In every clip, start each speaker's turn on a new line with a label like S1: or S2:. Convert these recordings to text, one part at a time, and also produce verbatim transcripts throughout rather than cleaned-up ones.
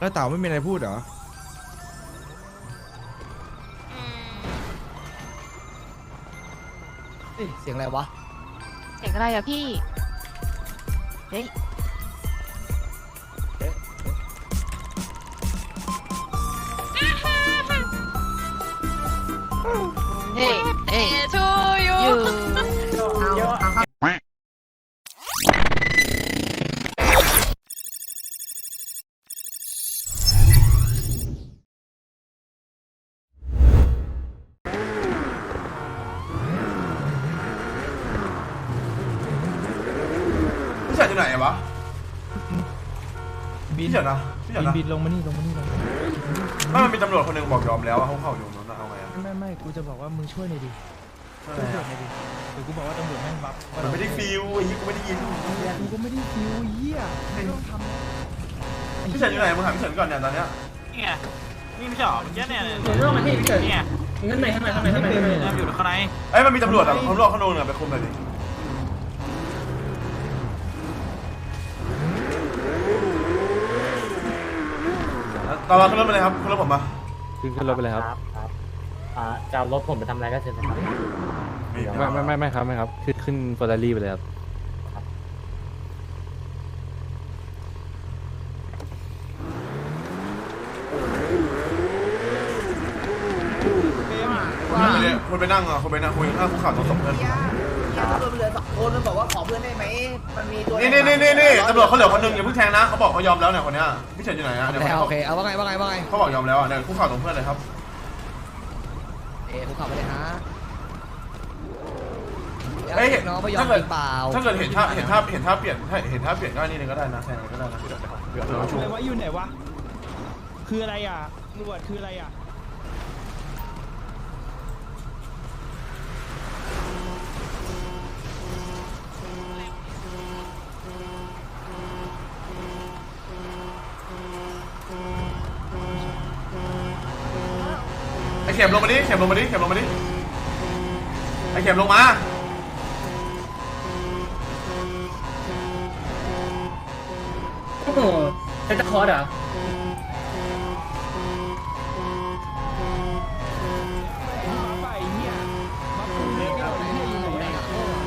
S1: แล้วเต่าไม่มีอะไรพูดเหรอ
S2: เสียงอะไรวะ
S3: เสียงอะไรอะพี่เฮ้ยเฮ้ยเฮ้ยชูยู
S4: พี่เฉินอยู่ไหนวะพี่เฉินนะพี่เฉินนะ
S5: บินลงมานี่ลงมานี่ลงมานี่
S4: ไม่มันมีตำรวจคนหนึ่งบอกยอมแล้วว่าเขาเข้าอยู่นั้นเอาไงอะ
S5: ไม่ไม่กูจะบอกว่ามึงช่วยหน่อยดิช่วยตำรวจหน่อยดิเดี๋ยวกูบอกว่าตำรวจแม่งบัฟ
S4: มันไม่ได้ฟิลไอ้ยี่กูไม่ได้ยิน
S5: กูก็ไม่ได้ฟิวเหี้ยไม่ต้องทำ
S4: พี่เฉินอยู่ไหนมึงหาพี่เฉินก่อนเนี่ยตอนเนี้ย
S6: นี่ไงนี่ไม่ใช่หรอเมื่อกี้เนี่ย
S7: เดี๋ยวเรื่องมาที่พี่เฉิน
S6: นี่ไง
S7: ข้างในข้างในข้างในข้างในข้างใน
S6: เนี่ยอยู่ข้างใน
S4: เอ้ยมันมีตำรวจอะตำรวจเขาโดนอะไปคุมเลยดิตอนเราขึ้นรถไปเลยครับขึ้นรถผมมา
S8: ขึ้นขึ้นรถไปเลยครับ
S7: ครับอ่าจะเอารถผมไปทำอะไรก็เชิญนะครับ
S8: ไม่ไม่ไม่ไม่ครับไม่ครับขึ้นขึ้นเฟอร์รารี่ไปเลยครับ
S4: คนไปนั่งอ่ะคนไปนั่งคุยข้างคุกเข่าต้องส่งเพื่อน
S2: ตำรวจเหลือสองคนมันบอกว่าขอเพื่อนได้ไหมมันมีตัว
S4: นี่นี่นี่นี่ตำรวจเขาเหลือคนนึงอย่าเพิ่งแทงนะเขาบอกเขายอมแล้วเนี่ยคนเนี้ยพี่เฉินอยู่ไหนอะเนี่ย
S2: โอเคเอาว่าไงว่าไงว่าไง
S4: เขาบอกยอมแล้วอ่ะเนี่ยคุกเข่าตรงเพื่อนเลยครับ
S2: เอ๊ะผมขับไปเลยฮะ
S4: เอ้ย
S2: น้องไม่ยอม
S4: ถ้าเกิด
S2: เปล่า
S4: ถ้าเกิดเห็นท่าเห็นท่าเห็นท่าเปลี่ยนเห็นท่าเปลี่ยนก็นี่นึงก็ได้นะแทงก็ได้นะเดี๋ยวเราชู
S5: อะไรวะอยู่ไหนวะคืออะไรอ่ะตำรวจคืออะไรอ่ะ
S4: ไอเข็มลงมาดิเข็มลงมาดิเข็มลงมาดิไอเข็มลงมา
S7: โอ้โหเซนต์คอร์ดเหรอ
S5: ไปเหี้ยมาปุ่มเล็กเอาไอ้เหี้ยอยู่ไหนอ่ะ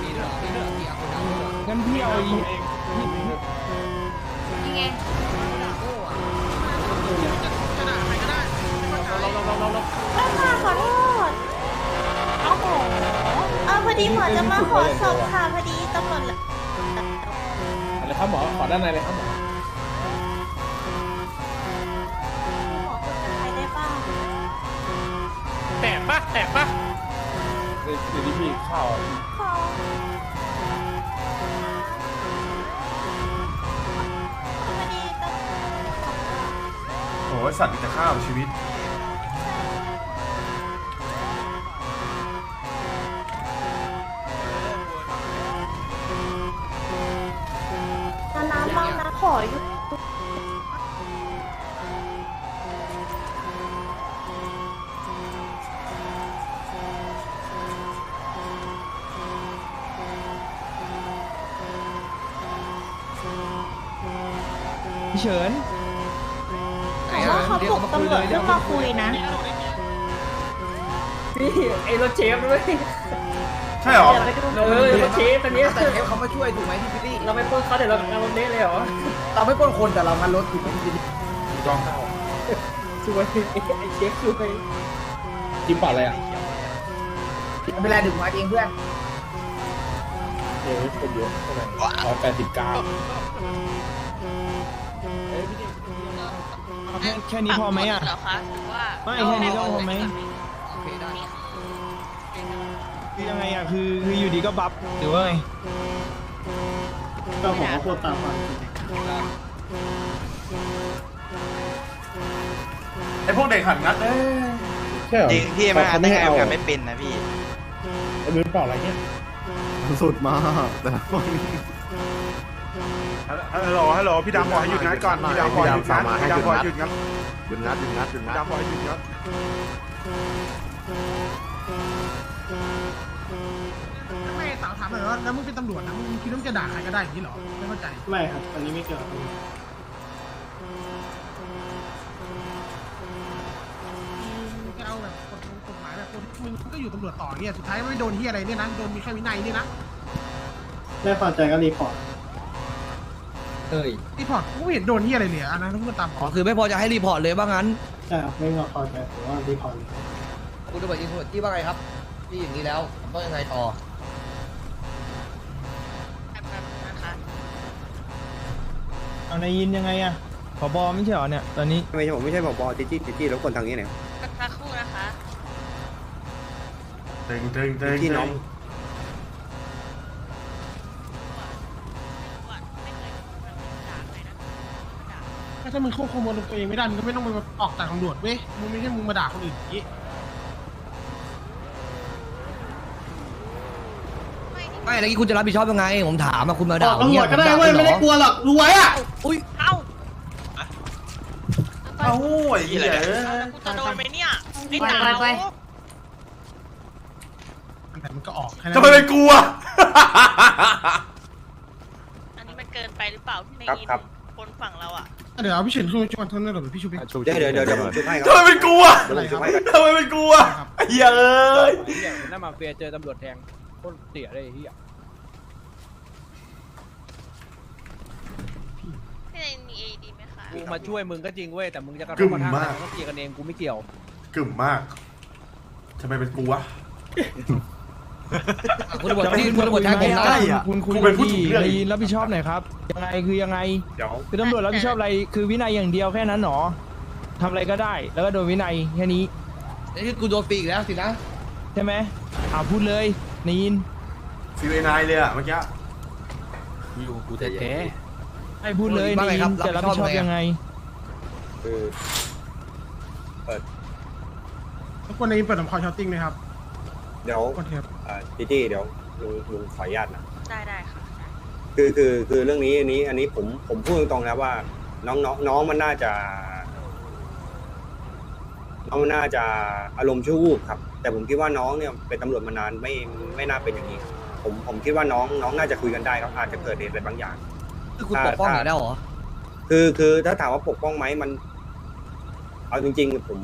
S5: งั้นพี่เอาอี
S3: นี่ไง
S9: ค่ะขอโทษโอ้โหเออพอดีหมอจะมาขอศพค่ะ พอดีตำรวจ
S7: อะไรครับหมอขอด้านในเลยครับหมอ
S9: หมอพูดกับใครได้บ้าง
S6: แตกปะแตกปะ
S7: เดี๋ยวนี้พี่ข้าว
S9: ขอพอดีตำรวจ
S4: โอ้ยสัตว์จะฆ่าชีวิต
S9: จะน้ำบ้างนะขออยู่
S5: พี่เฉิน
S9: แต่ว่าเขาปลุกตำรวจขึ้นมาคุยนะ
S7: พี่ไอ้รถเชฟด้วย
S4: ใช่หรอ
S7: เออรถเชฟคันนี้
S2: แต่เทปเขามาช่วยถูกไหมพี่พิลลี่
S7: เราไม่ปล้นเขาเดี๋ยวเราเอารถเละเลยเหรอ
S2: เราไม่ปล้นคนแต่เรางันรถถูกไหมพี่พิลลี่
S4: ถูกต้อง
S7: ช่วยไอ้เชฟช่วย
S8: จิ้มปอดอะไรอ่ะ
S2: ไม่เป็นไรดึงมาเองเพื่อน
S8: เดี๋ยวคนเยอะเท่าไหร่ร้อยแปดสิบเก้า
S5: แค่แค่นี้พอไหมอ่ะ
S3: เหรอคะหรือว่า
S5: ไม่แค่นี้ก็พอไหม
S2: โอเคได้
S5: คือยังไงอ่ะคือคืออยู่ดีก็บัฟหรือว่าไง
S7: ก็ของเขาโคตรตามมา
S4: ไอพวกเด็กหัดงัดเอ้ย
S10: จริงพี่มาได้ไงกันไม่เป็นนะพี่
S8: ไอ้มือเปล่าอะไรเนี่ย
S1: สุดมากแต่ละคน
S4: ฮัลโหลฮัลโหลพี่ดำบอกให้หยุดงัดก่อนพี่ดำบอกให้หยุดงัดพี่ดำบอกให้หยุดงัด
S1: หยุดงัดหยุดงัดหยุดงั
S4: พี่
S1: ด
S4: ดำบอกให้หยุดงัด
S11: ไม่สาวถามหน่อยว่าแล้วมึงเป็นตำรวจนะมึงคิดว่ามึงจะด่าใครก็ได้อย่างนี้เหรอไม่เข้าใจ
S7: ไม่ครับอันนี้ไม่เกี่ยว
S11: เก็อยู่ตำรวจต่อเนี่ยสุดท้ายไม่โดนที่อะไรเนี่ยนะโดนมีแค่วินัยเนี่ยนะ
S8: ไม่พอใจก็รีพอร์ต
S5: เอ้ย
S11: รีพอร์ตกูไม่เห็นโดนที่อะไรเลยอันนั้นต้องตาม
S5: อ๋อคือไม่พอจะให้รีพอร์ตเลยว่างั้น
S8: ใช่ครับไม่พอใจหรือว่ารีพอร์ตเลย
S5: คุณตำรวจอินโทรที่ว่าไงครับที่อย่างนี้แล้วต้องยังไงต่อ
S12: เอานายยินยังไงอะผบไม่ใช่เหรอเนี่ยตอนนี้
S1: ไม่ใช่ผมไม่ใช่ผบจิจี้จิจี้แล้วคนทางนี้เนี่ย
S9: สักครู่นะคะ
S4: เต็งเต็งเต็ง
S1: ที่น้อง
S11: ถ้ามึงควบคุมอารมณ์ตัวเองไม่ได้มึงก็ไม่ต้องมาออกจากตำรวจเว้ยมึงไม่ใช่มึงมาด่าคนอื่นอย่างนี้
S5: ไม่แล้วนี่คุณจะรับผิดชอบยังไงผมถามอะคุณมา
S7: บ
S5: ด่า
S7: อกตำรวจก็ได้เว้ยไม่ได้กลัวหรอกรู้ไว้อะ
S5: อุ้ย
S9: เอ้า
S4: เอ้าไอ้เหี้ย
S9: กูจะโดนไหมเนี่ยไอ้
S3: ไป
S9: เต๋า
S3: ไปไป
S11: แต่มันก็ออกแค่นั้น
S4: ทำไมเป็นกูอะ
S9: อันนี้มันเกินไปหรือเปล่าพี่ในยินคนฝั่งเราอ่ะ
S11: เดี๋ยวเอาพี่เฉินขึ้นมาช่วยท่านนั่นหรอพี่ชูพี่
S1: เดี๋ยวเดี๋ยวเดี๋ยวเดี๋ยวผมช่วยให้ค
S4: ทำไม
S1: รับ
S4: เป็นกูอะ
S1: เดี๋ยวผมช่วยให้ครับ
S4: ทำไมเป็นกูอะไอ้เหี้ยเอ้ย
S12: หน้ามาเฟียเจอตำรวจแทงโคตรเสียเลยไอ้เฮีย
S9: พี่ในมีเอดีไหมคะ
S12: กูมาช่วยมึงก็จริงเว้ยแต่มึงจะกระทบกระทั่งกันมึงก็เคลียร์กันเองกูไม่เกี่ยว
S4: กึ่มมากทำไมเป็นกูวะ
S5: คุณตำรวจที่คุณตำรวจแทงผมนะ
S12: คุณคุย
S4: กูเป็นผู้ถูก
S12: ที่
S4: เลือก
S12: นายยินรับผิดชอบหน่อยครับยังไงคือยังไง
S1: เดี๋ยว
S12: คือตำรวจรับผิดชอบอะไรคือวินัยอย่างเดียวแค่นั้นหรอทำอะไรก็ได้แล้วก็โดนวินัยแค่นี้
S5: นี่คือกูโดนปีกแล้วสินะ
S12: ใช่ไหมอ่าพูดเลยนายยิน
S4: ฟีเวนายเลยอะเมื่อกี้
S12: อยู่กูแท้ๆให้พูดเลยนายยินจะรับผิดชอบยังไง
S1: คือ
S11: ทุกคนในนี้เปิดลำคอช็อตติ้งเลยครับ
S1: เดี๋ยว
S11: กดเทป
S1: จิจี้เดี๋ยวลุงลุงขออนุญาตนะ
S9: ได้ได้ค่ะ
S1: คือคือคือเรื่องนี้อันนี้อันนี้ผมผมพูดตรงๆนะว่า น้องน้องน้องมันน่าจะ น้องมันน่าจะอารมณ์ชั่ววูบครับ แต่ผมคิดว่าน้องเนี่ยเป็นตำรวจมานานไม่ไม่น่าเป็นอย่างนี้ครับผมผมคิดว่าน้องน้องน่าจะคุยกันได้ครับอาจจะเกิดเหตุอะไรบางอย่าง
S5: คือคุณปกป้องหน่อยได้หรอ
S1: คือคือถ้าถามว่าปกป้องไหมมัน เอาจริงๆผม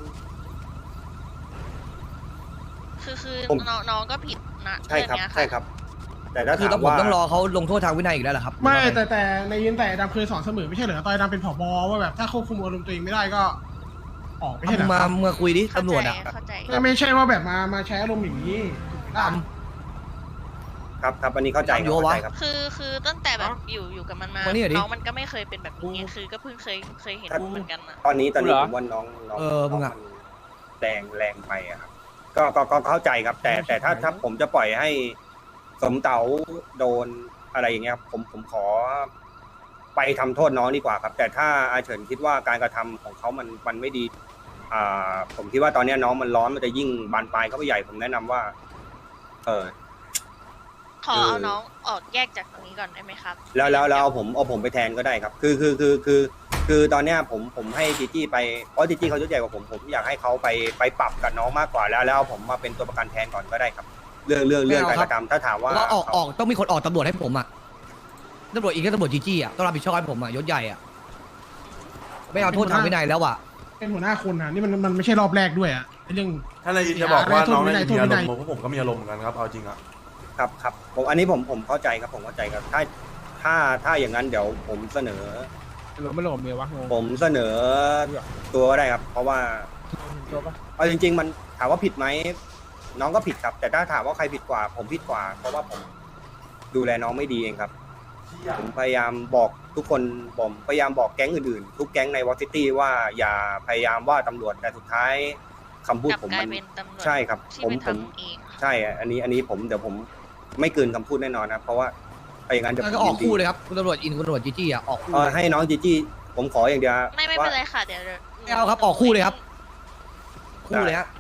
S9: คือคือ
S1: ผม
S9: น้องน้องก็ผิดนะ
S1: ใช่ครับ
S9: เองเนี้ยะ
S1: ใช่ครับ แต่ถ้า
S5: คือ
S1: ถาม
S5: ผม
S1: ว่า
S5: ต้องรอเขาลงโทษทางวินัยอีกแล้วเหรอครับ
S11: ไม่แต่แต่ในยินแต่ดำเคยสอนเสมอไม่ใช่เหรอตอนดำเป็นผบว่าแบบถ้าควบคุมอารมณ์ตัวเองไม่ได้ก็ ออกไม่ใช่เหร
S5: มึ
S11: อง
S5: มา
S11: ครับ
S5: เมื่อคุยดิ
S9: เข้า
S5: ตำรวจ
S9: ใจ
S5: อ่ะ
S9: เข้าใจ
S11: ไม่ไม่ใช่ว่าแบบมามาใช้อารมณ์อย่างนี้ถูกไหมล่ะ
S1: ครับครับอันนี้เข้าใจครับ
S5: ทำอยู่วะ
S1: เข้าใจครับ
S9: คือคือตั้งแต่แบบอยู่อยู่กับมันมา
S5: มานี่หน่อยดิ
S9: น้องมันก็ไม่เคยเป็นแบบนี้ไงคือก็เพิ่งเคยเคยเห็นเหมือนกันอะ
S1: ตอนนี้ตอนนี้
S12: เหรอ
S1: ผมว่าน้องน้อง
S5: เออมึงอะ
S1: น้มันแรงแรงไปอะครับก็ก็ก็เข้าใจครับ แต่แต่ถ้าถ้าผมจะปล่อยให้สมเต๋าโดนอะไรอย่างเงี้ยครับผมผมขอไปทำโทษน้องดีกว่าครับ แต่ถ้าอาเฉินคิดว่าการกระทำของเขามันมันไม่ดี อ่า ผมคิดว่าตอนนี้น้องมันร้อนมันจะยิ่งบานปลายเข้าไปใหญ่ผมแนะนำว่า เออ
S9: ขอเอาน้องออกแยกจากตรงนี้ก่อนได้ไหมครับ
S1: แล้วแล้วแล้วเอาผมเอาผมไปแทนก็ได้ครับ คือคือคือคือคือตอนเนี้ยผมผมให้จีจี้ไปเพราะจีจี้เขายุ่งใหญ่กว่าผมผมอยากให้เขาไปไปปรับกับน้องมากกว่าแล้วแล้วเอาผมมาเป็นตัวประกันแทนก่อนก็ได้ครับ เรื่องเรื่องเรื่องการกระทำถ้าถามว่า
S5: ว่าออกออกต้องมีคนออกตำรวจให้ผมอ่ะตำรวจอีกก็ตำรวจจีจี้อ่ะต้องรับผิดชอบให้ผมอ่ะยศใหญ่อ่ะไม่เอาโทษทางวินัยแล้วอ่ะ
S11: เป็นหัวหน้าคนนะนี่มันมันไม่ใช่รอบแรกด้วยอะไอ้เรื่อง
S4: ถ้านายยินจะบอกว่าน้อง
S11: ไม่
S4: นาย
S11: ได้
S4: ยินมีอาร
S11: โทษไม่
S4: ม
S11: ได้
S4: ณ์ผมผมก็มีอารมณ์เหมือนกันครับเอาจริงอะ
S1: ครับครับผมอันนี้ผมผมเข้าใจครับผมเข้าใจครับ ถ้าถ้าถ้าอย่างนั้นเดี๋ยวผมเสนอ
S12: หลงไม่หลงเมียวะงง
S1: ผมเสนอตัวก็ได้ครับ เพราะว่า
S12: ตัวปะ
S1: เอาจริง ๆ มันถามว่าผิดไหมน้องก็ผิดครับ แต่ถ้าถามว่าใครผิดกว่า ผมผิดกว่า เพราะว่าผมดูแลน้องไม่ดีเองครับ ผมพยายามบอกทุกคนผมพยายามบอกแก๊งอื่นๆ ทุกแก๊งในวอซิตี้ว่าอย่าพยายามว่าตำรวจแต่สุดท้ายคำพูด
S9: กลับ
S1: ผม
S9: กลา
S1: มั
S9: ย
S1: น
S9: เป็นตำรวจ
S1: ใช่ครับ
S9: ที่
S1: ผม
S9: ไป
S1: ผม
S9: ทำเอง
S1: ใช่ อันนี้อันนี้ผมเดี๋ยวผมไม่เกินคำพูดแน่นอนนะเพราะว่าไปอย่างนั้นเดี๋ยวผม
S5: ก็ออก
S1: ยินดี
S5: คู่เลยครับคุณตำรวจอินคุณตำรวจจีจี้อ่ะออกคู่
S1: เออให้น้องจีจี้ผมขออย่างเดียว
S9: ไม่ไม่
S1: ว่า
S9: เป็นไรค่ะเดี๋ยวดี๋ยว
S5: ไม่เอาครับออกคู่เลยครับ คู่เลยฮะ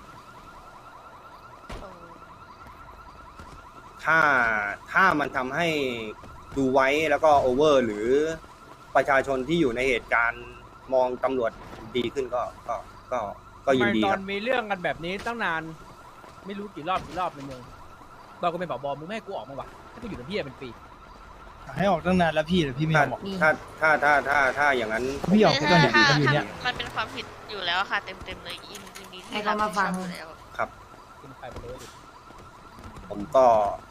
S9: เออ
S1: ถ้าถ้ามันทำให้ดูไว้แล้วก็โอเวอร์ หรือประชาชนที่อยู่ในเหตุการณ์มองตำรวจดีขึ้นก็ก็ก็ก็ยินดี
S12: ต
S1: ค
S12: อ
S1: รั
S12: น
S1: บ
S12: มีเรื่องกันแบบนี้ตั้งนาน ไม่รู้กี่รอบกี่รอบในเมืองเราก็เป็นผบมึงไม่ให้กูออกมาวะถ้ากูอยู่ในพี่เป็นปีให้ออกตั้งนานแล้วพี่แต่พี่ไม่
S1: ถ้าย
S12: อมออก
S1: ถ้าถ้าถ้าถ้าถ้าอย่างนั้น
S12: พี่ออกแค่ตอนเด็ก
S9: ถ้า
S12: ๆอยู่เนี่ย
S9: ถ้ามันเป็นความผิดอยู่แล้วอะค่ะ เต็มเต็มๆเลยยินยินดีที่
S3: ให้เขามาฟัง
S9: รับผิดชอบอยู่แล้ว
S1: ครับ
S12: กินใครไปเลยดิ
S1: ผมก็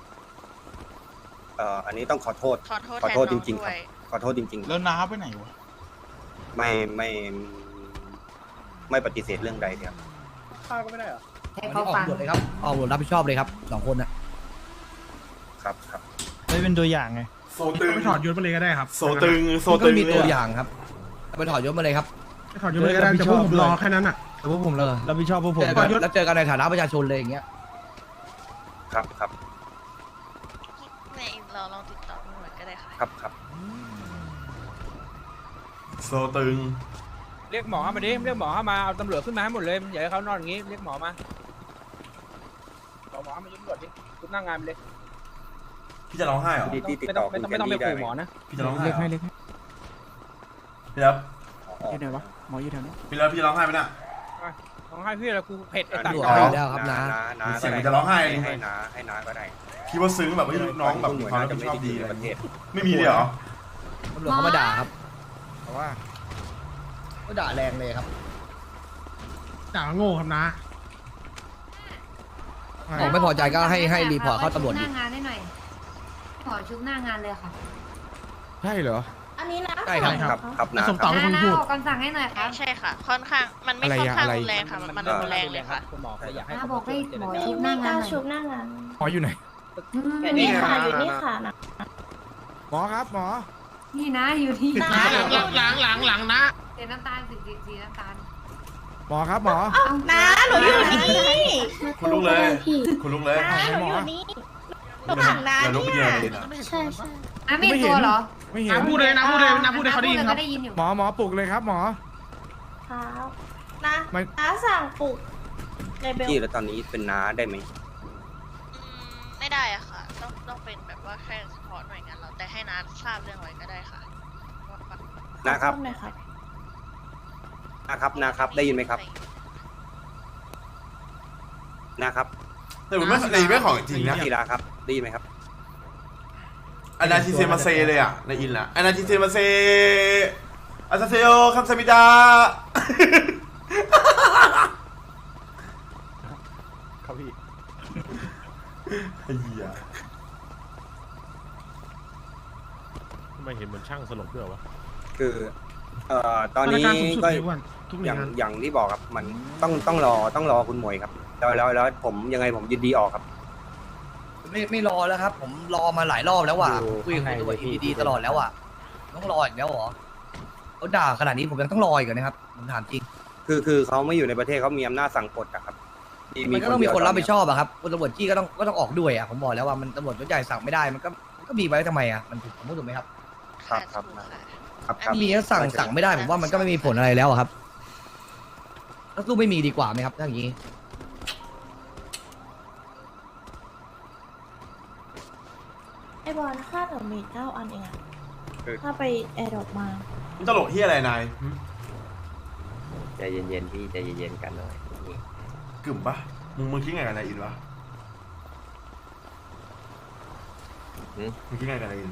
S1: เอ่ออันนี้ต้องขอโทษ
S9: ขอโทษ
S1: ขอ
S9: แทน
S1: โทษจ
S9: น้อง
S1: ริงๆ
S9: ด้
S1: ครั
S9: ว
S1: บ
S9: ย
S1: ขอโทษจริง
S6: แล้วน้าไปไหนวะ
S1: ๆ ไม่ไม่ไม่ปฏิเสธเรื่องใดครับ
S12: ข้าวก็ไม่ได้เหรอ
S5: วันนี้ออกบทเลยครับออกบทรับผิดชอบเลยครับสองคนน่ะ
S1: ครับครับ
S6: ไม่เป็นตัวอย่างไง
S4: โซตึง
S11: ไปถอดยศมาเลยก็ได้ครับ
S4: โซตึงโซ
S5: มันก็
S4: ตึง
S5: มีตัว
S4: เนี่
S5: อย่างครับไปถอดยศมาเลยครับ
S11: ไปถอดยศมาเลยก็ได้แต่พวกผมรอแค่นั้นอ่ะ
S6: แต่พวกผมเรารับผิดชอบพวกผม
S5: เจอกันแล้วเจอกันในฐานะประชาชนเลยอย่างเงี้ย
S1: ครับครับ
S9: ในเราลองติดต่อตำรวจก็ได้ค่ะ
S1: ครับครับ
S4: โซตึง
S12: เรียกหมอมาดิเรียกหมอมาเอาตำรวจขึ้นมาให้หมดเลยอย่าให้เขานอนอย่างงี้เรียกหมอมาเอาหมอมายุ่งตำรวจดิคุณนั่งงานไปเลย
S4: พี่จะร้องไห้เหรอ
S1: ที่ที่ติด
S12: ไม่
S1: ต่
S12: ต้
S1: อ
S12: อง
S1: คุ
S12: ไม่
S1: ณ
S12: ต้อง
S1: แค
S12: ไม่
S1: น
S12: ต้องไป
S1: ดี้ได้
S12: ขู่
S1: ไหม
S12: หมอนะ
S4: พี่จะร้องไห้
S6: เล็ก
S4: เหร
S6: ให้
S4: อ
S6: เล็กให้
S4: พี่รับ
S6: อยู่ไหนวะหมออยู่แถวนี้
S4: พี่รับพี่ร้องไห้ไหมน่ะ
S12: ร้องไห้พี่อะไรกูเผ็ดไอ้ตัด
S5: ตำรวจ
S4: อ๋อ
S5: ไม่ได้ครับนะ
S1: น้า
S4: เสียง
S1: ก็
S4: มัน
S1: ได้
S4: จะร้องไห้
S1: ให้ให้น้าให้น้าก็ได้
S4: พี่ว่าซึ้งแบบว่าลูกน้องแบบมีความรับผิดชอบดี
S1: ใน
S4: อะไร
S1: ประเทศ
S4: ไม่มีเลยเหรอ
S5: ตำรวจเขามาด่าครับเพราะว่าก็ด่าแรงเลยครับ
S11: ด่าว่าโง่ครับนะ
S5: ผมไม่พอใจก็ให้ให้รีพอร์ตเข้าตำรวจ
S9: ห
S5: ดิ
S9: น้างานได้หน่อย ขอชุบหน้างานเลยค่ะ
S6: ใช่เหรอ
S9: อันนี้นะ
S5: ใช่ครับ
S1: ครับครับ
S11: แล้ว
S1: น้า
S11: สม
S1: ค
S11: เต่า
S1: รับ
S11: เป็นคนพูด
S9: ออกคำสั่งให้หน่อยครับใช่ค่ะ ค่อนข้าง มันไม่ค่อนข้างรุนแรงค่ะ มันรุนแรงเลยค่ะ
S12: คุณหมอเขาอยากให้
S9: น้าบอกให้หมอชุบหน้างานชุบหน้างาน
S6: หมออยู่ไหน
S9: อยู่นี่ค่ะ อยู่นี่ค่ะนะ
S6: หมอครับหมอ
S9: นี่นะ อยู่ที่นะ
S11: หลังหลังหลังนะ
S9: เสียน้ำตาลสีสีน้ำตาล
S6: หมอครับหมอ
S9: น้าหนูอยู่นี่
S4: คุณลุกเลย คุณลุกเลย
S6: หมอ
S4: อย่าลุกไปเยอะเลยนะ
S9: ใช่ใช่อ่ะไม่ตัวเหรอ
S6: ไม่เห็น
S11: น้ำพูดเลยนะพูดเลยนะพูดเลยเขาได้ยินครับ
S9: ได้ยินอยู่
S6: หมอหมอปลุกเลยครับหมอ
S9: ครับนะ
S6: ไม่
S9: น้าสั่งปลุกในเบล
S1: ที่แล้วตอนนี้เป็นน้าได้ไหม
S9: ไม่ได้อะค่ะ ต้องต้องเป็นแบบว่าแค่เฉพาะหน่วยงานเราแต่ให้น้าทราบเรื่องไว้ก็ได้ค่ะ
S1: นะครับนะครับนะครับ ได้ยินไหมครับนะครับ
S4: แต่ผมไม่ในไม่ของจริงนะ
S1: ทีละครับ ได้ยินไหมครับ
S4: อนาทิเซมาเซเลยอ่ะในอินละอนาทิเซมาเซอาซาเซโอคัมซามิดา
S6: ครับพี่
S4: ไอ้เหี้ย
S8: ทำไมเห็นเหมือนช่างสลบด้วยวะ
S1: คือ เอ่อ ตอนนี้
S11: มาตรการสูงสุด
S1: ก็
S11: เลยอ้วนทุกหน่
S1: อ
S11: วย
S1: ย่าง
S11: งาน
S1: อย่างที่บอกครับ มันต้องต้องรอต้องรอคุณหมวยครับ แล้วแล้วแล้วผมยังไงผมยินดีออกครับ
S5: ไม่ไม่รอแล้วครับ ผมรอมาหลายรอบแล้วว่ะ
S8: ดู
S5: คุยกับ
S8: ข้างใน
S5: ตำรวจ
S8: เลยพี่
S5: ดีๆตลอดแล้วอ่ะต้องรออีกแล้วเหรอเขาด่าขนาดนี้ผมยังต้องรออีกเหรอนะครับผมถามจริง
S1: คือคือเขาไม่อยู่ในประเทศเขามีอำนาจสั่งกฎอะครับ
S5: มันก็ต้องมีคนรับผิดชอบอะครับคนตำรวจจี้ก็ต้องก็ต้องออกด้วยอะผมบอกแล้วว่ามันตำรวจยศใหญ่สั่งไม่ได้มันก็มันก็มีไว้ทำไมอะมันถูกผมพูดถูกไหมครับ
S1: ครับครับ
S9: ถูกค่ะ
S1: ครับค
S5: ถ้า
S1: รับ
S5: มีแล้วสั่งสั่งไม่ได้ผมว่ามันก็ไม่มีผลอะไรแล้วอะครับก็สู้ไม่มีดีกว่าไหมครับถ้าอย่างนี้
S9: ไอบอลค่าเดี๋ยวมีเก้าอันเองอะถ้าไปแอร์ดรอปมา
S4: มึงตลกเฮียอะไรนายหึ
S8: ใจเย็นๆพี่ใจเย็นๆกันหน่อย
S4: กึ่มปะมึงมึงคิดไงกับนายอินวะมึงคิดไงกับนายอิน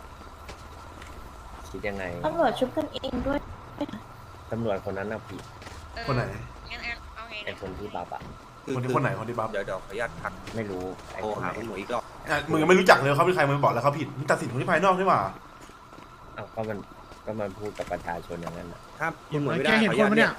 S8: คิดยังไง
S9: ตำรวจชุบกันเองด้วย
S8: ตำรวจคนนั้นน่ะผิด
S4: คนไหน
S9: งั้นเอาไง
S8: ไอ้คนที่บัฟอะ
S4: คนที่คนไหนคนที่บัฟ
S1: เดี๋ยวเดี๋ยวขออนุญาตพัก
S8: ไม่รู้ไอ้
S1: โทร
S8: คน
S1: หา
S8: ไหน
S1: คุณหมวยอีกรอบ
S4: อ่ะมึงยังไม่รู้จักเลยเขาเป็นใครมึงบอกแล้วเขาผิดมึงตัดสินคนที่ภายนอกใช่ป่ะ
S8: อ้าวก็มันก็มันพูดกับประชาชนอย่างนั้นน่ะ
S1: ถ้าคุณหมวยไม่
S11: แก
S1: ได้
S11: เห็น
S1: ขออ
S11: ค
S1: นุ
S11: น
S1: ญาต
S11: ปะ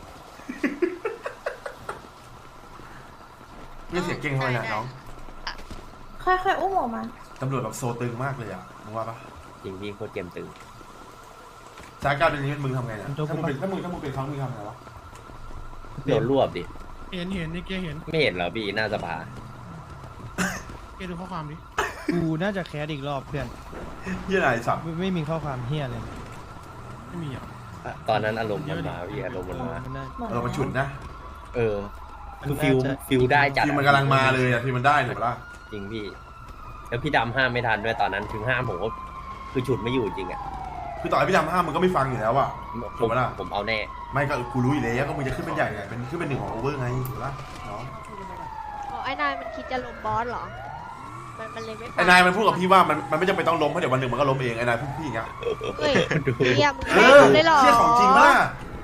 S1: เรี
S11: เนี่ย ย
S4: เรียกเสียงเก่งทำไมเนี่ยน้อง
S9: ค่อยๆอุ้มออกมา
S4: ตำรวจแบบโซตึงมากเลยอ่ะมึงว่าปะ
S8: จริงพี่โคตรเกมตึง
S4: สถานการณ์เป็นอย่างนี้มึงทำไงเนี่ยถ้ามึงเป็นถ้ามึงถ้ามึงเป็นเขามึงทำไงวะ
S8: โดนรวบดิ
S11: เห็นเห็นนี่เกเห็น
S8: ไม่เห็นเหรอพี่หน้าสภา
S11: เกดูข้อความดิ
S6: กูน่าจะแคสอีกรอบเพื่อน
S4: เฮียอะไรสับ
S6: ไม่ไม่มีข้อความเฮียเลย
S11: ไม่มีอ่ะ
S8: ตอนนั้นอารมณ์มันมาพี่อารมณ์มันมา
S6: มันน่า
S4: เรามาฉุดนะ
S8: เออคือฟิลฟิลได้จัด
S4: ทีมมันกำลังมาเลยอ่ะทีมมันได้ถูกปะล่ะ
S8: จริงพี่แล้วพี่ดำห้ามไม่ทันด้วยตอนนั้นถึงห้ามผมก็คือฉุดไม่อยู่จริงอะ
S4: คือต่อให้พี่ดำห้ามมึงก็ไม่ฟังอยู่แล้วอ่ะ
S8: ผ
S4: ถูก
S8: ม
S4: ปะล่ะ
S8: ผมเอาแน่
S4: ไม่ก็กูรู้อยู่แล้วก็มึงจะขึ้นเป็นใหญ่ไงเป็นขึ้นเป็นหนึ่งของโอเวอร์ไงถูกปะล่ะน้อง
S9: อ๋อไอ้นายมันคิดจะลงบอสเหรอ มันมันเลยไม่
S4: ไอ้นายมันพูดกับพี่ว่ามันมันไม่จำเป็นต้องล้มเพราะเดี๋ยววันหนึ่งมันก็ล้มเองไอ้นายพูดพี่อย่างเงี้ย
S9: เฮ้ยเยี่ยม
S4: เออเชี่ยของจริงปะล่ะ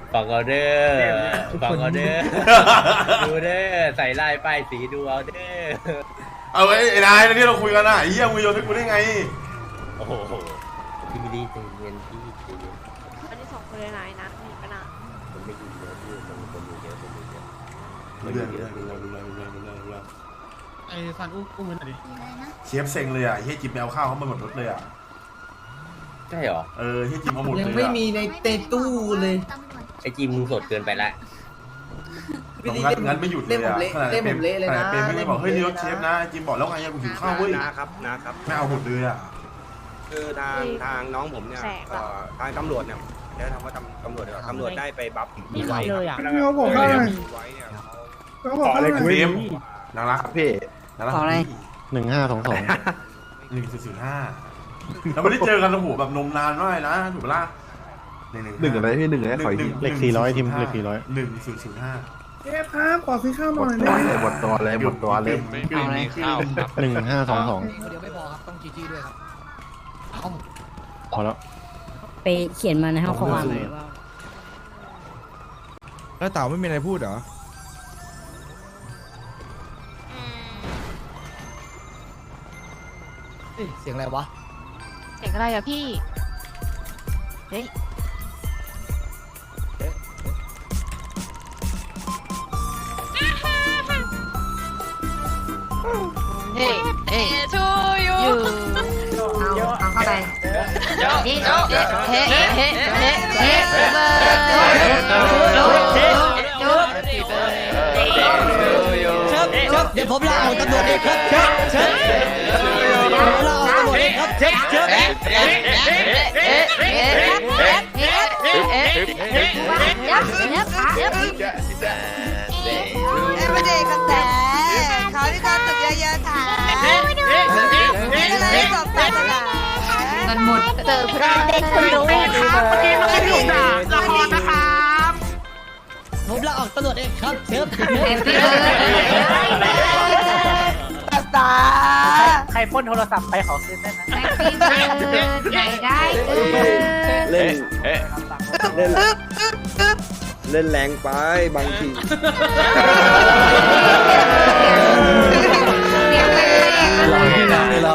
S8: ฟังเอาเด้อฟังเอาเด้อดูเด้อใส่ลายป้ายสีดูเอาเด้อ
S4: เอาไอ้ไอ้นายที่เราคุยกันน่ะไอ้เหี้ยมึงโยนให้กูได้ไง
S8: โอ้โหพี่ไม่ได้ใจเย็นพี่ใจเย็น
S3: อันนี้สองคนเลยนะไอ้นัทมีปัญหา
S8: ผมไม่ยินเยอะพี่ผมผมอยู่เยอะผมอยู่เยอะ
S4: รู้เรื่องรู้เรื่องรู้เรื่องรู้เรื่องรู้เรื่องรู้เรื่องรู้เรื่อง
S11: ไอ้ซันอุ้มอุ้มมือหน่อยดิ
S4: เชฟเซ็งเลยอ่ะเฮียจิมไปเอาข้าวเขามาหมดรถเลยอ่ะ
S8: ใช่หรอ
S4: เออเฮียจิมเอาหมดเลย
S2: ยัง
S4: อ่ะ
S2: ไม่มีในเตตู้เลย
S8: ไอจีมึงสดเกินไปละ
S4: ตรงงั้นงั้นไม่หยุดเลยอ่ะขนาด
S2: เล่มผมเละเลยนะ
S4: ขนาดเป็นไม่บอกเฮ้ยนี่รถเชฟนะจิมบอกแล้วไงกูหิวข้าวเว้ย
S1: นะครับนะครับ
S4: ไม่เอาหมดเลยอ่ะ
S1: คือทางทางน้องผมเนี่ยเอ่อทางตำรวจเนี่ยเดี๋ยวทำว่าตำตำรวจเดี๋ยวาตำรวจได้ไปบัฟมีไว้ครับ
S11: เขาบอกว่า
S1: มีไว้เนี่ยเขา
S11: เขาบอกว่า
S4: เฟมน่ารักพี่น่ารัก
S6: หนึ่งห้าสองสอง
S4: หนึ่งศูนย์ศูนย์ห้าเราไม่ได้เจอกันโอ้โหแบบนมนานมากนะถูกปะล่ะหนึ่งหนึ่งอะไรพี่หนึ่งอะไรขออีก
S6: เลขสี่ร้อยทีมเลขสี่ร้อย
S4: หนึ่งศูนย์ศูนย์ห้า
S11: เชฟครับขอซื้อข้าวหน่อยได้ไหม
S4: หมดตัวเลยหมดตัวเลย
S10: เอาอะไรข้าว
S6: หนึ่งห้าสองสอง
S5: เดี๋ยวไม่พอครับต้องจีจีด้วยครับเอา
S6: พอแล้ว
S9: ไปเขียนมาในห้องความเลยว่า
S6: แล้วเต่าไม่มีอะไรพูดเหรอ
S5: เฮ้ยเสียงอะไรวะ
S3: เสียงอะไรอะพี่ เฮ้ย เฮ้ยเฮ้ยชูยูเอาเอาเข้าไปนี่เฮ้เฮ้เฮ้เฮ้เฮ้เบอร์จุ๊บ
S5: เชิญเชิญเดี๋ยวผมลาออกตำรวจเองครับเชิญเชิญผมลาออกตำรวจเองครับเชิญเชิญ
S3: เอ๊ะเอ๊ะเอ๊ะเอ๊ะเอ๊ะเอ๊ะเอ๊ะเอ๊ะเอ๊ะยับยับยับเอ๊ะไม่ได้กันแต่เขาที่เขาตึกเยอะๆค่ะไม่ได้สอบตาตลาดมันหมดเติมพระเด็กคนรู้ครับเมื่อกี้มันถูกด่าละครนะครับ
S5: ผมลาออกตำรวจเองครับเชิญ
S3: แฮปปี้เบิร์ดตา
S12: ใครพ่นโทรศัพท์ไปขอคืนได้ไหม
S3: แฮปปี้เบิร์ดได้ได้เล่น
S1: เล่นเล่นแรงไปบางที
S3: หล่อจริงหล่อเล่น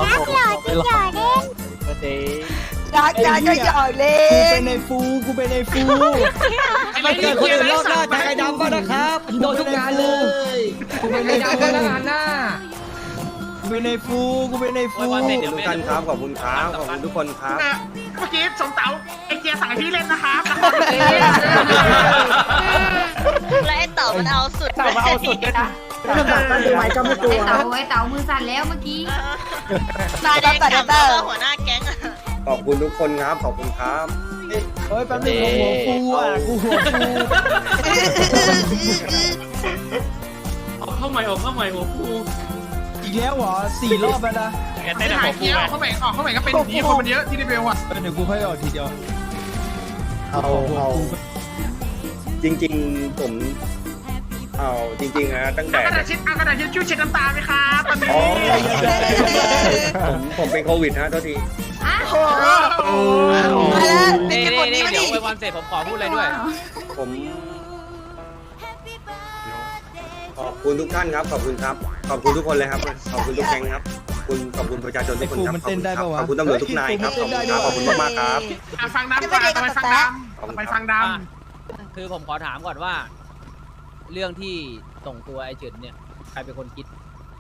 S3: อยากอยากจะหยอกเล่
S5: กูเป็น นในฟูกูเป็นในฟูมันเกิดคนอื่นรอบหน้าทางไอ้ดำบ้างนะครับโดนทุกงานเลยกูเป็นในดำบ้างนะงานหน้ากูเป็นในฟูกูเป็นในฟู
S1: ขอบคุณทุกท่านครับขอบคุณครับขอบคุณทุกคนครับ
S11: เมื่อกี้สมเต๋าไอเกียร์สั่งให้พี่เล่นนะครับ
S3: และไอ้เต่ามันเอาสุด
S12: เต่ามาเอาสุดเลยนะ
S11: ไม่ต้องสั่งตั้งใจไว้ก็ไม่กลัว
S3: ไอ้เต่าไอ้เต่ามือสั่นแล้วเมื่อกี้ตาแดงจับเตอร์หัวหน้าแก๊ง
S1: ขอบคุณทุกคนครับขอบคุณครับ
S5: เฮ้ยแป๊บนึงหัวฟูอ่ะกูหัวฟู
S7: ออกเข้าใหม่ออกเข้าใหม่หัวฟู
S5: อีกแล้วเหรอสี่รอบแล้วนะ
S11: ไอ้หายเกียร์ออกเข้าไปออกเข้าไปก็เป็นอย่างนี้คนมันเยอะที่รีเบลอ่ะ
S5: เดี๋ยวกูค่อยออกทีเดียว
S1: เอาเอาจริงๆผมเอาจริงๆนะตั้งแต่
S11: กระดาษชิดกระดาษชิดชู่เช็ดน้ำตาไหมครับตอนนี้
S1: อ๋อผมผมเป็นโควิดฮะโทษที
S11: โอ้
S12: นี่นี่เดี๋ยวไปวันเสร็จผมขอพูดเลยด้วย
S1: ผมขอบคุณทุกท่านครับขอบคุณครับขอบคุณทุกคนเลยครับขอบคุณทุกแก๊งครับขอบคุณขอบคุณประชาชนทุกคนครับขอบคุณครับขอบคุณตำรวจทุกนายครับขอบคุณครับขอบคุณมากๆครับ
S11: ฟังดำก่อนไปฟังดำไปฟังด
S12: คือผมขอถามก่อนว่า เรื่องที่ส่งตัวไอ้เฉินเนี่ยใครเป็นคนคิด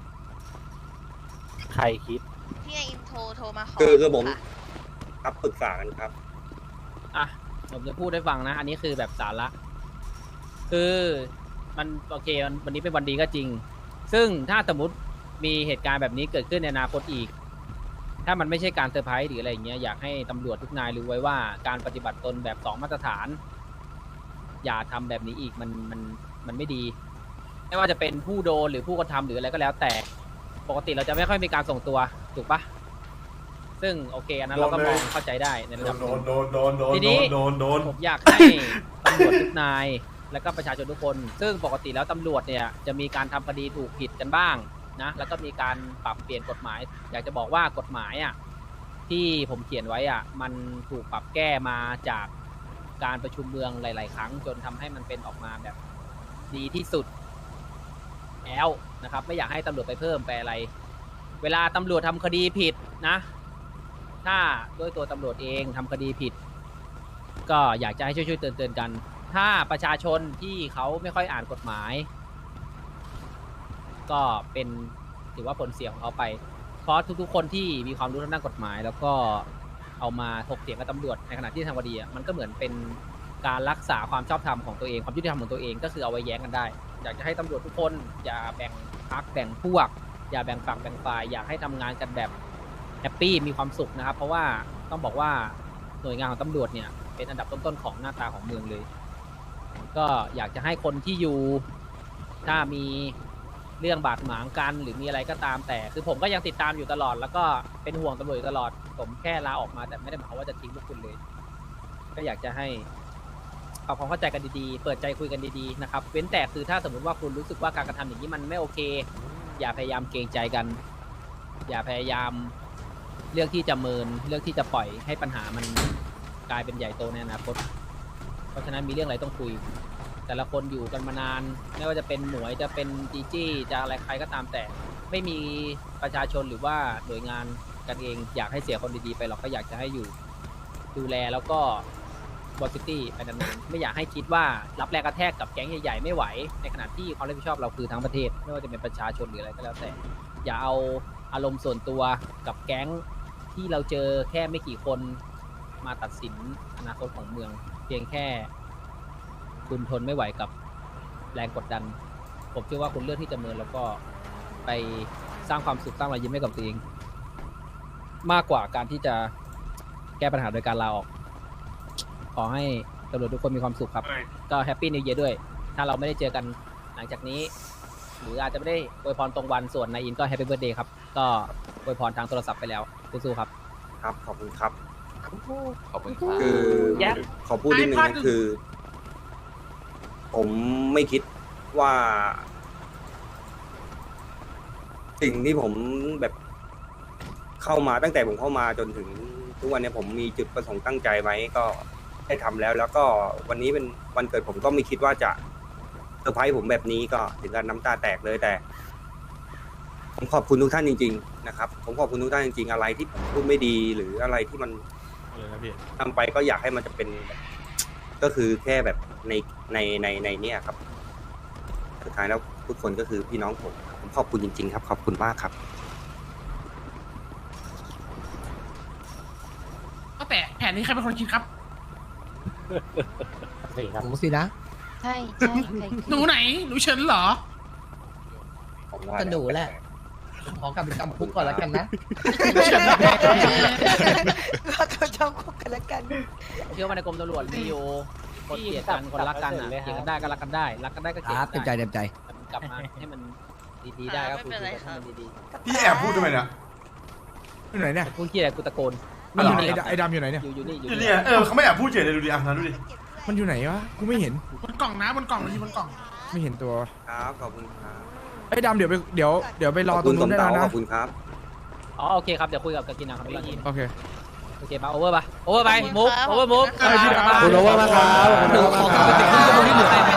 S12: ใครคิด
S3: พี่ไออินโทรโทรมาขอ
S1: คือคือผมครับปรึกษากันครับ
S12: อ่ะผมจะพูดให้ฟังนะ อันนี้คือแบบสาระคือมันโอเคมันวันนี้เป็นวันดีก็จริง ซึ่งถ้าสมมติมีเหตุการณ์แบบนี้เกิดขึ้นในอนาคตอีก ถ้ามันไม่ใช่การเซอร์ไพรส์หรืออะไรอย่างเงี้ยอยากให้ตำรวจทุกนายรู้ไว้ว่าการปฏิบัติตนแบบสองมาตรฐาน อย่าทำแบบนี้อีกมันมันมันไม่ดี ไม่ว่าจะเป็นผู้โดนหรือผู้กระทำหรืออะไรก็แล้วแต่ปกติเราจะไม่ค่อยมีการส่งตัวถูกปะซึ่งโอเคอันนั้นเราก็มองเข้าใจได้ในระดับห
S4: โด
S12: นึ่
S4: น
S12: ง
S4: โดนโดนโดน
S12: ที
S4: โด
S12: นี้
S4: นโดนโดน
S12: ผมอยากให้ตำรวจทุกนาย และก็ประชาชนทุกคน ซึ่งปกติแล้วตำรวจเนี่ยจะมีการทำคดีถูกผิดกันบ้างนะแล้วก็มีการปรับเปลี่ยนกฎหมาย อยากจะบอกว่ากฎหมายอ่ะที่ผมเขียนไว้อ่ะมันถูกปรับแก้มาจากการประชุมเมืองหลาย ๆ ครั้งจนทำให้มันเป็นออกมาแบบดีที่สุดแล้วนะครับ ไม่อยากให้ตำรวจไปเพิ่มไปอะไร เวลาตำรวจทำคดีผิดนะ ถ้าด้วยตัวตำรวจเองทำคดีผิด ก็อยากจะให้ช่วยๆเตือนๆกัน ถ้าประชาชนที่เขาไม่ค่อยอ่านกฎหมาย ก็เป็นถือว่าผลเสียของเขาไป เพราะทุกๆคนที่มีความรู้ทางด้านกฎหมาย แล้วก็เอามาถกเถียงกับตำรวจในขณะที่ทำคดีอ่ะมันก็เหมือนเป็นการรักษาความชอบธรรมของตัวเองความยุติธรรมของตัวเองก็คือเอาไว้แย้งกันได้ อยากจะให้ตำรวจทุกคนอย่าแบ่งพรรคแบ่งพวก อย่าแบ่งฝักแบ่งฝ่ายอยากให้ทำงานกันแบบแฮปปี้มีความสุขนะครับ เพราะว่าต้องบอกว่าหน่วยงานของตำรวจเนี่ยเป็นอันดับต้นๆของหน้าตาของเมืองเลย ก็อยากจะให้คนที่อยู่ถ้ามีเรื่องบาดหมางกันหรือมีอะไรก็ตามแต่คือผมก็ยังติดตามอยู่ตลอด แล้วก็เป็นห่วงตำรวจอยู่ตลอดผมแค่ลาออกมาแต่ไม่ได้หมายความว่าจะทิ้งพวกคุณเลย ก็อยากจะให้ปรับความเข้าใจกันดีๆเปิดใจคุยกันดีๆนะครับเว้นแต่คือถ้าสมมติว่าคุณรู้สึกว่าการกระทำอย่างนี้มันไม่โอเคอย่าพยายามเกรงใจกัน อย่าพยายามเลือกที่จะเมินเลือกที่จะปล่อยให้ปัญหามันกลายเป็นใหญ่โตในอนาคตเพราะฉะนั้นมีเรื่องอะไรต้องคุยแต่ละคนอยู่กันมานานไม่ว่าจะเป็นหมวยจะเป็นจีจี้จะอะไรใครก็ตามแต่ไม่มีประชาชนหรือว่าหน่วยงานกันเองอยากให้เสียคนดีๆไปหรอกก็อยากจะให้อยู่ดูแลแล้วก็บอสซิตี้ไปนานๆไม่อยากให้คิดว่ารับแรงกระแทกกับแก๊งใหญ่ๆไม่ไหวในขณะที่ความรับผิดชอบเราคือทั้งประเทศไม่ว่าจะเป็นประชาชนหรืออะไรก็แล้วแต่อย่าเอาอารมณ์ส่วนตัวกับแก๊งที่เราเจอแค่ไม่กี่คนมาตัดสินอนาคตของเมืองเพียงแค่คุณทนไม่ไหวกับแรงกดดันผมเชื่อว่าคุณเลือกที่จะเมินแล้วก็ไปสร้างความสุขสร้างรอยยิ้มให้กับตัวเองมากกว่าการที่จะแก้ปัญหาโดยการลาออกขอให้ตำรวจทุกคนมีความสุขครับก็แฮปปี้นิวเยียร์ด้วยถ้าเราไม่ได้เจอกันหลังจากนี้หรืออาจจะไม่ได้อวยพรตรงวันส่วนนายอินก็แฮปปี้เบิร์ธเดย์ครับก็อวยพรทางโทรศัพท์ไปแล้วสู้ๆครับ
S1: ครับขอบคุณครับ
S8: ขอบคุณครับ
S1: คือ
S12: แย่
S1: ขอพูดนิดนึงนะคือ ผมไม่คิดว่า สิ่งที่ผมแบบเข้ามาตั้งแต่ผมเข้ามาจนถึงทุกวันนี้ผมมีจุดประสงค์ตั้งใจไว้ก็ได้ทำแล้ว แล้วก็วันนี้เป็นวันเกิดผมก็ไม่คิดว่าจะเซอร์ไพรส์ผมแบบนี้ก็ถึงกับน้ำตาแตกเลยแต่ ผมขอบคุณทุกท่านจริงๆนะครับผมขอบคุณทุกท่านจริงๆอะไรที่ผมพูดไม่ดีหรืออะไรที่มันทำไปก็อยากให้มันจะเป็นแบบก็คือแค่แบบในในในในเนี่ยครับสุดท้ายแล้วทุกคนก็คือพี่น้องผมผมขอบคุณจริงๆครับขอบคุณมากครับ
S11: ก็แต่แผนนี้ใครเป็นคนคิดครับ
S5: หมูสินะ
S3: ใช่ใช่ใช่
S11: หนูไหนหนูเฉินเหรอ
S5: ก็หนูแหละ ขอกลับไปจำคุกก่อนแล้วกันนะ
S3: ก็ต้องจำคุกกันแล้วกัน
S12: เชื่อว่าในกรมตำรวจมีอยู่คนเกลียดกันคนรักกันอ่ะเกลียดกันได้ก็รักกันได้รักกันได้ก็เกลียด
S5: ครับเต็มใจ
S12: ได้
S5: เต็มใจ
S12: แต่มันกลับมาให้มันดีๆได้ก็คุยกันให้มันดี
S4: พี่แอบพูดทำไมเนี่ย
S5: อยู่ไหนเนี่ย
S12: ๆพูดเกลียดกูตะโกน
S5: ไอ้ดำไอ้ดำอยู่ไหนเนี่ย
S12: อยู่อยู่นี่อยู่
S4: อยู่
S12: นี่
S4: เนี่ยเออเขาไม่แอบพูดเฉยเลยดูดิอ่ะนะดูดิ
S5: มันอยู่ไหนวะ กูไม่เห็น
S11: บนกล่องนะบนกล่องมันอยู่บนกล่อง
S5: ไม่เห็นตัว
S1: ครับขอบคุณครับ
S5: ไอ้ดำเดี๋ยวไปเดี๋ยวเดี๋ยวไปรอ
S1: ขอบ
S5: ตร
S1: คุ
S5: ง
S1: ณส
S5: นู้น
S1: ม
S5: ได้
S1: เต๋า
S5: แล้ว
S1: ข
S5: นะ
S1: อบคุณครับ
S12: อ๋อโอเคครับเดี๋ยวคุยกับกากินังครับพี่ยิน
S5: โอเค
S12: โอเคมาโอเวอร์ปะโอเวอร์ไปมุกโอเวอร์มุก
S11: เออพี่
S5: ขอบคุณโอเวอร์มากครับ
S12: หนูขอกลับไปติดที่ตรงที่เหลือได้ไหม